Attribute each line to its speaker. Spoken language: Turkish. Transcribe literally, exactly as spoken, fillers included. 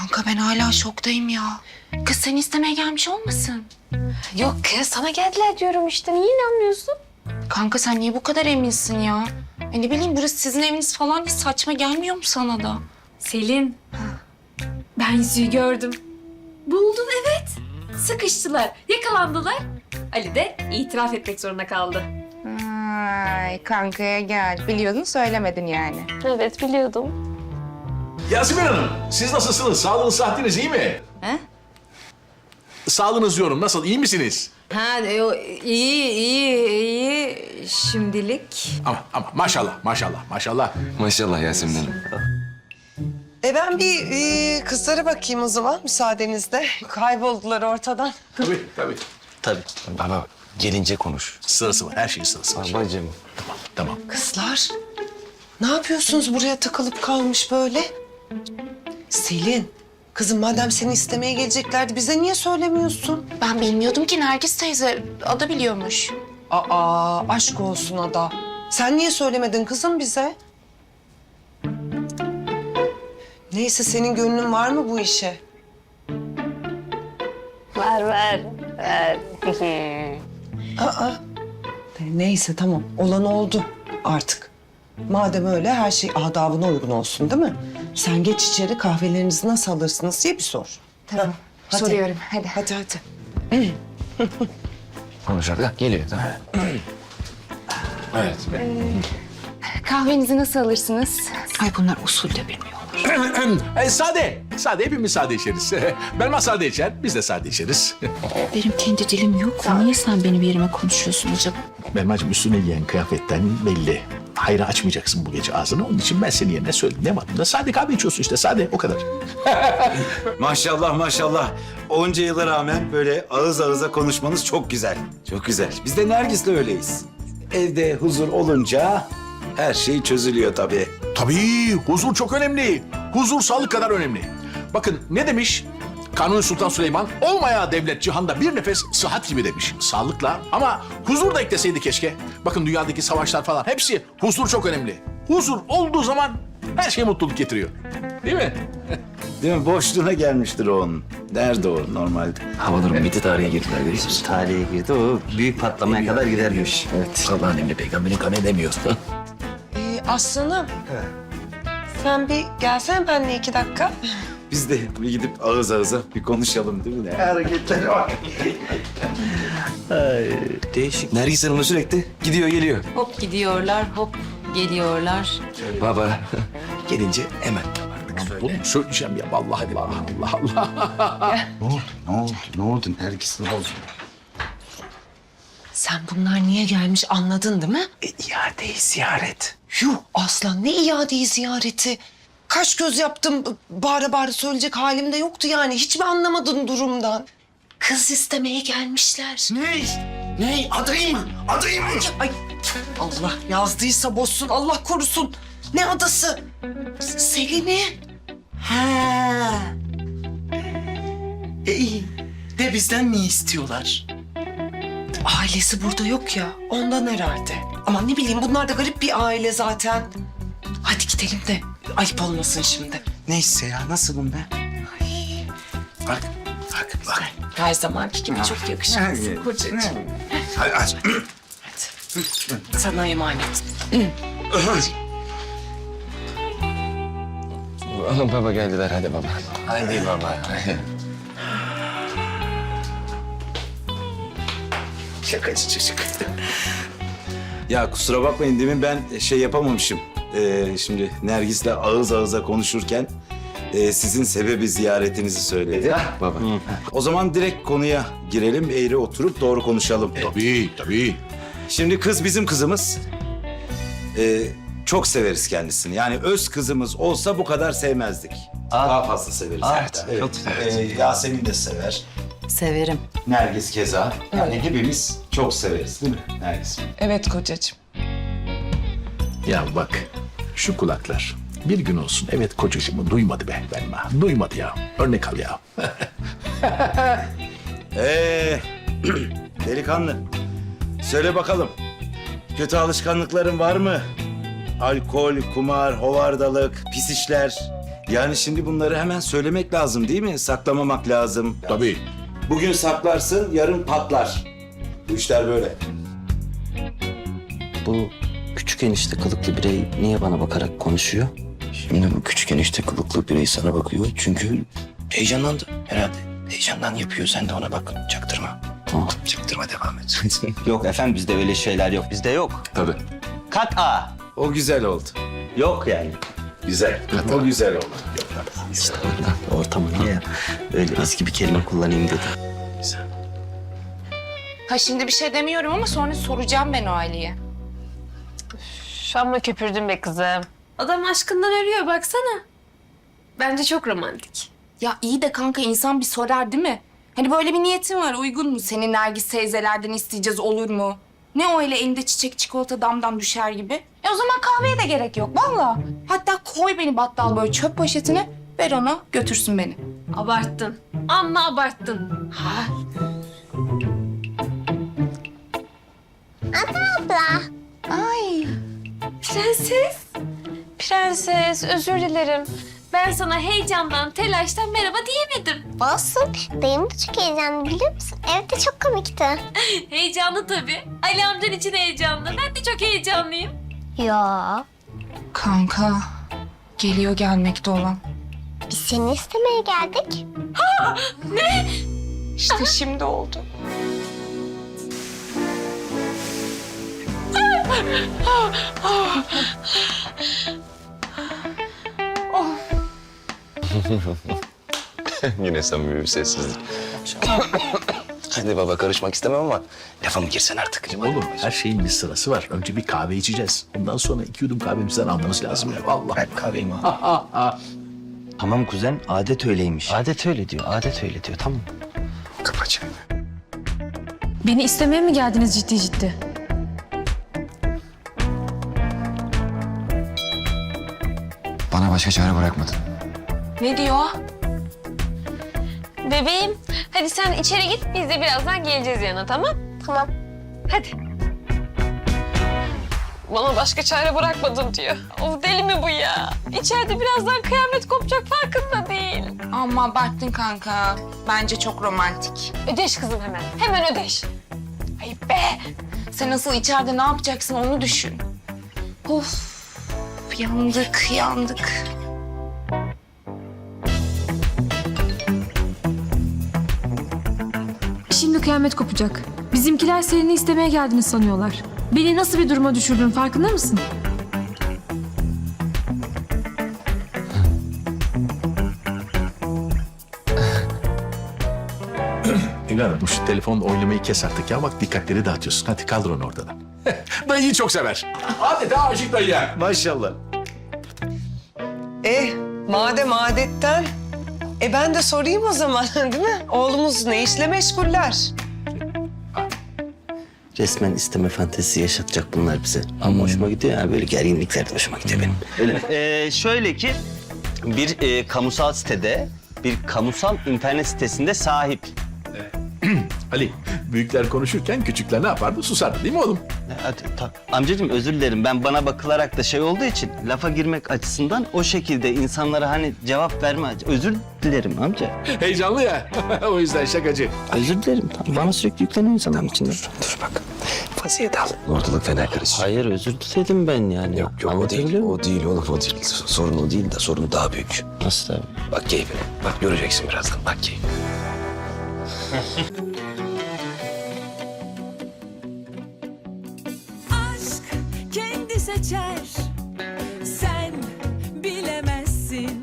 Speaker 1: Kanka ben hala şoktayım ya. Kız seni istemeye gelmiş olmasın?
Speaker 2: Yok kız sana geldiler diyorum işte. Niye inanmıyorsun?
Speaker 1: Kanka sen niye bu kadar eminsin ya? E ne bileyim burası sizin eviniz falan hiç saçma gelmiyor mu sana da?
Speaker 2: Selin. Ben yüzüğü gördüm. Buldun evet. Sıkıştılar, yakalandılar. Ali de itiraf etmek zorunda kaldı.
Speaker 1: Ay kankaya gel. Biliyordun söylemedin yani.
Speaker 2: Evet biliyordum.
Speaker 3: Yasemin Hanım, siz nasılsınız? Sağlığınız, sıhhatiniz iyi mi?
Speaker 4: He?
Speaker 3: Sağlığınız diyorum, nasıl? İyi misiniz?
Speaker 4: Ha e, o, iyi iyi iyi şimdilik.
Speaker 3: Ama ama maşallah, maşallah, maşallah.
Speaker 5: Maşallah Yasemin Hanım.
Speaker 6: E ben bir e, kızlara bakayım o zaman müsaadenizle. Kayboldular ortadan.
Speaker 3: Tabii, tabii.
Speaker 5: Tabii. Baba gelince konuş.
Speaker 3: Sırası var, her şeyin sırası var.
Speaker 5: Babacığım.
Speaker 3: Tamam.
Speaker 6: Kızlar, ne yapıyorsunuz buraya takılıp kalmış böyle? Selin, kızım madem seni istemeye geleceklerdi bize niye söylemiyorsun?
Speaker 1: Ben bilmiyordum ki Nergis teyze. Ada biliyormuş.
Speaker 6: Aa, aşk olsun Ada. Sen niye söylemedin kızım bize? Neyse senin gönlün var mı bu işe?
Speaker 2: Ver ver. Ver.
Speaker 6: Aa. Neyse tamam, olan oldu artık. Madem öyle her şey adabına uygun olsun değil mi? Sen geç içeri kahvelerinizi nasıl alırsınız diye bir sor.
Speaker 1: Tamam.
Speaker 6: Hadi.
Speaker 1: Soruyorum. Hadi.
Speaker 6: Hadi hadi.
Speaker 5: Konuşarak geliyor tamam. Evet.
Speaker 1: Kahvenizi nasıl alırsınız? Ay bunlar usul de bilmiyorlar.
Speaker 3: e, sade, sade. Hepimiz sade içeriz. Belma sade içer, biz de sade içeriz.
Speaker 1: Benim kendi dilim yok. Niye sen benim yerime konuşuyorsun acaba?
Speaker 3: Belmacığım üstüne giyen kıyafetten belli. Hayra açmayacaksın bu gece ağzını. Onun için ben senin yerine söyledim. Ne var bunda? Sade kahve içiyorsun işte, sade. O kadar.
Speaker 7: Maşallah maşallah. Onca yıla rağmen böyle ağız ağıza konuşmanız çok güzel. Çok güzel. Biz de Nergis'le öyleyiz. Evde huzur olunca her şey çözülüyor tabii.
Speaker 3: Tabii, huzur çok önemli. Huzur sağlık kadar önemli. Bakın ne demiş? Kanuni Sultan Süleyman, olmaya devlet cihanda bir nefes sıhhat gibi demiş. Sağlıkla ama huzur da ekleseydi keşke. Bakın dünyadaki savaşlar falan hepsi huzur çok önemli. Huzur olduğu zaman her şey mutluluk getiriyor. Değil mi?
Speaker 7: Değil mi? Boşluğuna gelmiştir o onun. Nerede o normalde?
Speaker 5: Hava durumu bitti, tarihe girdiler görüyorsunuz.
Speaker 8: Tarihe girdi. O büyük patlamaya kadar gidermiş.
Speaker 5: Evet. Allah'ın emri peygamberin kanı edemiyor.
Speaker 6: Ee, Aslanım. Sen bir gelsene benimle iki dakika.
Speaker 7: Biz de bir gidip ağız ağıza bir konuşalım değil mi? Ne hareketler var.
Speaker 5: Değişik. Nergis Hanım'la sürekli gidiyor geliyor.
Speaker 4: Hop gidiyorlar hop geliyorlar.
Speaker 5: Baba gelince hemen.
Speaker 3: Bunu söyleyeceğim ya vallahi Allah Allah Allah.
Speaker 7: Ne oldu? Ne oldu? Ne oldu? Nergis ne oldu?
Speaker 6: Sen bunlar niye gelmiş anladın değil mi?
Speaker 5: E, iadeyi ziyaret.
Speaker 6: Yuh Aslan ne iadeyi ziyareti. Kaş göz yaptım bağıra bağıra söyleyecek halim de yoktu yani. Hiç mi anlamadın durumdan? Kız istemeye gelmişler.
Speaker 8: Ne? Ne? Adayım mı? Adayım mı?
Speaker 6: Ay Allah yazdıysa bozsun Allah korusun. Ne adası? S- Selin'i.
Speaker 8: Ha. E iyi. De bizden ne istiyorlar?
Speaker 6: Ailesi burada yok ya ondan herhalde. Ama ne bileyim bunlar da garip bir aile zaten. Hadi gidelim de ayıp olmasın şimdi.
Speaker 8: Neyse ya nasılım ben? Bak, bak, bak.
Speaker 6: Her zamanki gibi çok yakışıklısın kocacığım.
Speaker 8: Hadi aç.
Speaker 6: Sana emanet.
Speaker 5: Baba geldiler hadi baba. Hadi baba.
Speaker 8: Şakacı çocuk.
Speaker 7: Ya kusura bakmayın demin ben şey yapamamışım. Ee, şimdi Nergis'le ağız ağıza konuşurken e, sizin sebebi ziyaretinizi söyledi.
Speaker 5: Baba.
Speaker 7: O zaman direkt konuya girelim, eğri oturup doğru konuşalım.
Speaker 3: Tabii tabii.
Speaker 7: Şimdi kız bizim kızımız. Ee, çok severiz kendisini. Yani öz kızımız olsa bu kadar sevmezdik. Daha fazla severiz.
Speaker 8: Aa,
Speaker 7: hatta.
Speaker 8: çok
Speaker 7: Evet. Ee, Yasemin de sever.
Speaker 4: Severim.
Speaker 7: Nergis keza. Yani hepimiz çok severiz değil mi Nergis?
Speaker 6: Evet kocacığım.
Speaker 3: Ya bak şu kulaklar bir gün olsun evet kocacığımı duymadı be Belma. Duymadı ya. Örnek al ya.
Speaker 7: Ee, delikanlı. Söyle bakalım. Kötü alışkanlıkların var mı? Alkol, kumar, hovardalık, pis işler. Yani şimdi bunları hemen söylemek lazım değil mi? Saklamamak lazım.
Speaker 3: Tabii.
Speaker 7: Bugün saklarsın, yarın patlar. Bu işler böyle.
Speaker 5: Bu küçük enişte kılıklı birey niye bana bakarak konuşuyor? Şimdi bu küçük enişte kılıklı birey sana bakıyor çünkü heyecanlandı herhalde. Heyecandan yapıyor, sen de ona bak. Çaktırma. Tamam. Çaktırma, devam et.
Speaker 9: Yok efendim bizde öyle şeyler yok. Bizde yok.
Speaker 3: Tabii.
Speaker 9: Kat A.
Speaker 7: O güzel oldu.
Speaker 9: Yok yani.
Speaker 7: Güzel. O güzel oldu.
Speaker 5: İşte oradan ortamına ya. Öyle eski bir kelime kullanayım dedim.
Speaker 1: Ha şimdi bir şey demiyorum ama sonra soracağım ben o Ali'ye.
Speaker 2: Şu an köpürdün be kızım. Adam aşkından ölüyor baksana. Bence çok romantik.
Speaker 1: Ya iyi de kanka insan bir sorar değil mi? Hani böyle bir niyetin var uygun mu? Senin Nergis teyzelerden isteyeceğiz olur mu? Ne öyle elinde çiçek çikolata damdan düşer gibi? E o zaman kahveye de gerek yok valla. Hatta koy beni battal böyle çöp poşetine ver ona götürsün beni.
Speaker 2: Abarttın. Amma abarttın.
Speaker 1: Ha? Ay.
Speaker 2: Prenses. Prenses özür dilerim. Ben sana heyecandan, telaştan merhaba diyemedim.
Speaker 10: Olsun. Dayım da çok heyecanlı biliyor musun? Evde çok komikti.
Speaker 2: Heyecanlı tabii. Ali amcan için heyecanlı. Ben de çok heyecanlıyım.
Speaker 10: Ya
Speaker 1: Kanka geliyor gelmekte olan.
Speaker 10: biz seni istemeye geldik.
Speaker 1: İşte şimdi oldu.
Speaker 5: Yine samimi bir sessizlik. Hadi baba, karışmak istemem ama lafa mı girsen artık?
Speaker 3: Oğlum her şeyin bir sırası var. Önce bir kahve içeceğiz. Ondan sonra iki yudum kahvemizden almamız lazım ya. Vallahi.
Speaker 5: Ben kahveyim abi. Tamam kuzen, adet öyleymiş. Adet öyle diyor, adet öyle diyor, tamam. Kapa çayını.
Speaker 2: Beni istemeye mi geldiniz ciddi ciddi?
Speaker 5: Bana başka çare bırakmadın.
Speaker 1: Ne diyor?
Speaker 2: Bebeğim, hadi sen içeri git. Biz de birazdan geleceğiz yanına, tamam?
Speaker 10: Tamam.
Speaker 2: Hadi. Bana başka çare bırakmadın diyor. Of deli mi bu ya? İçeride birazdan kıyamet kopacak farkında değil.
Speaker 1: Ama abarttın kanka. Bence çok romantik.
Speaker 2: Ödeş kızım hemen. Hemen ödeş.
Speaker 1: Ayıp be. Sen nasıl içeride ne yapacaksın onu düşün. Of. Yandık, yandık.
Speaker 2: Şimdi kıyamet kopacak. Bizimkiler Selin'i istemeye geldiğini sanıyorlar. Beni nasıl bir duruma düşürdün farkında mısın?
Speaker 3: Evladım şu telefonla oynamayı kes artık ya. Bak dikkatleri dağıtıyorsun. Hadi kaldır onu ortadan. Dayıyı çok sever. Adeta aşık dayı.
Speaker 7: Maşallah.
Speaker 6: Eh madem adetten. E ben de sorayım o zaman değil mi? Oğlumuz ne işle meşguller?
Speaker 5: Resmen isteme fantezisi yaşatacak bunlar bize. Ama hoşuma gidiyor ya, böyle gerginlikler de hoşuma gidiyor benim.
Speaker 9: Ee, şöyle ki bir e, kamusal sitede, bir kamusal internet sitesinde sahip.
Speaker 3: Ali, büyükler konuşurken küçükler ne yapardı? Susardı değil mi oğlum?
Speaker 9: Hadi, ta- amcacığım özür dilerim. Ben bana bakılarak da şey olduğu için lafa girmek açısından o şekilde insanlara hani cevap verme aç- özür dilerim amca.
Speaker 3: Heyecanlı ya. O yüzden şakacı.
Speaker 9: Özür dilerim. Tamam. Bana sürekli yükleniyor insanların içinde.
Speaker 5: Dur, dur bak. Vaziyet al. Ortalık fena karışacak.
Speaker 9: Hayır özür diledim ben yani.
Speaker 5: Yok yok o
Speaker 9: Anlatabiliyor
Speaker 5: değil.
Speaker 9: muyum?
Speaker 5: O değil oğlum, o değil. Sorun o değil de sorun daha büyük.
Speaker 9: Nasıl abi?
Speaker 5: Bak keyfine. Bak göreceksin birazdan. Bak keyfine.
Speaker 11: Aşk kendi seçer